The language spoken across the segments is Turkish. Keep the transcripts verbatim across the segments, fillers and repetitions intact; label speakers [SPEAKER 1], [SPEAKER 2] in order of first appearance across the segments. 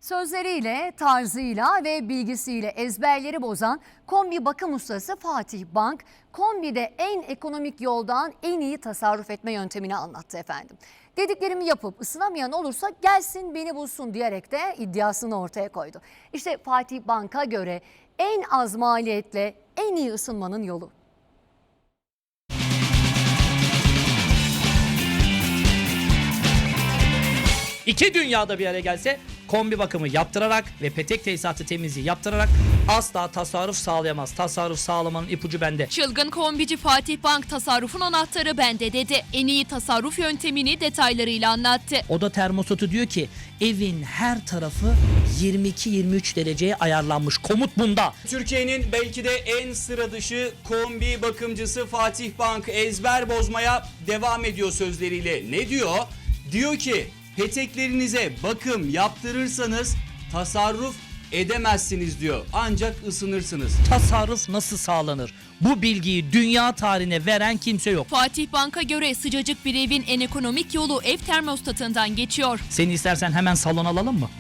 [SPEAKER 1] Sözleriyle, tarzıyla ve bilgisiyle ezberleri bozan kombi bakım ustası Fatih Bank, kombide en ekonomik yoldan en iyi tasarruf etme yöntemini anlattı efendim. Dediklerimi yapıp ısınamayan olursa gelsin beni bulsun diyerek de iddiasını ortaya koydu. İşte Fatih Bank'a göre en az maliyetle en iyi ısınmanın yolu.
[SPEAKER 2] İki dünyada bir araya gelse kombi bakımı yaptırarak ve petek tesisatı temizliği yaptırarak asla tasarruf sağlayamaz. Tasarruf sağlamanın ipucu bende.
[SPEAKER 3] Çılgın kombici Fatih Bank tasarrufun anahtarı bende dedi. En iyi tasarruf yöntemini detaylarıyla anlattı.
[SPEAKER 2] Oda termostatı diyor ki evin her tarafı yirmi iki yirmi üç dereceye ayarlanmış. Komut bunda.
[SPEAKER 4] Türkiye'nin belki de en sıra dışı kombi bakımcısı Fatih Bank ezber bozmaya devam ediyor sözleriyle. Ne diyor? Diyor ki peteklerinize bakım yaptırırsanız tasarruf edemezsiniz diyor. Ancak ısınırsınız.
[SPEAKER 2] Tasarruf nasıl sağlanır? Bu bilgiyi dünya tarihine veren kimse yok.
[SPEAKER 3] Fatih Bank'a göre sıcacık bir evin en ekonomik yolu ev termostatından geçiyor.
[SPEAKER 2] Seni istersen hemen salon alalım mı?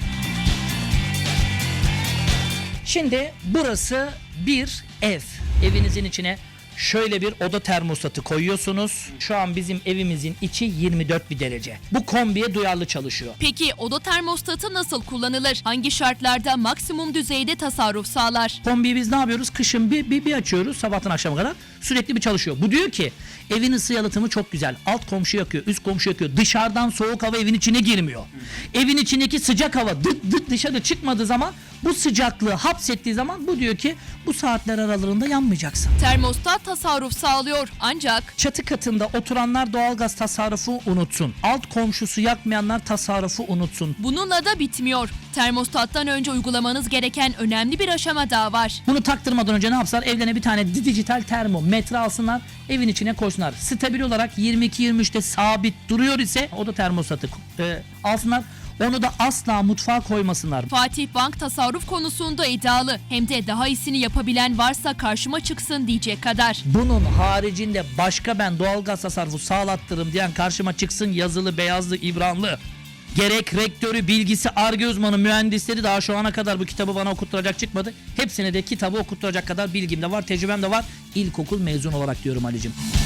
[SPEAKER 2] Şimdi burası bir ev. Evinizin içine şöyle bir oda termostatı koyuyorsunuz. Şu an bizim evimizin içi yirmi dört bir derece. Bu kombiye duyarlı çalışıyor.
[SPEAKER 3] Peki oda termostatı nasıl kullanılır? Hangi şartlarda maksimum düzeyde tasarruf sağlar?
[SPEAKER 2] Kombiyi biz ne yapıyoruz? Kışın bir, bir, bir açıyoruz sabahtan akşama kadar. Sürekli bir çalışıyor. Bu diyor ki evin ısı yalıtımı çok güzel. Alt komşu yakıyor, üst komşu yakıyor. Dışarıdan soğuk hava evin içine girmiyor. Evin içindeki sıcak hava dıt dıt dışarı çıkmadığı zaman bu sıcaklığı hapsettiği zaman bu diyor ki bu saatler aralığında yanmayacaksın.
[SPEAKER 3] Termostat tasarruf sağlıyor ancak
[SPEAKER 2] Çatı katında oturanlar doğalgaz tasarrufu unutsun. Alt komşusu yakmayanlar tasarrufu unutsun.
[SPEAKER 3] bununla da bitmiyor. Termostattan önce uygulamanız gereken önemli bir aşama daha var.
[SPEAKER 2] Bunu taktırmadan önce ne yapsalar? Evlerine bir tane dijital termometre alsınlar, evin içine koysunlar. Stabil olarak yirmi iki yirmi üçte sabit duruyor ise o da termostatı e, alsınlar. Onu da asla mutfağa koymasınlar.
[SPEAKER 3] Fatih Bank tasarruf konusunda iddialı. Hem de daha iyisini yapabilen varsa karşıma çıksın diyecek kadar.
[SPEAKER 2] Bunun haricinde başka ben doğalgaz tasarrufu sağlattırım diyen karşıma çıksın, yazılı, beyazlı, İbranlı. Gerek rektörü, bilgisi, Ar-Ge uzmanı, mühendisleri daha şu ana kadar bu kitabı bana okutturacak çıkmadı. Hepsine de kitabı okutturacak kadar bilgim de var, tecrübem de var. İlkokul mezun olarak diyorum Ali'cim.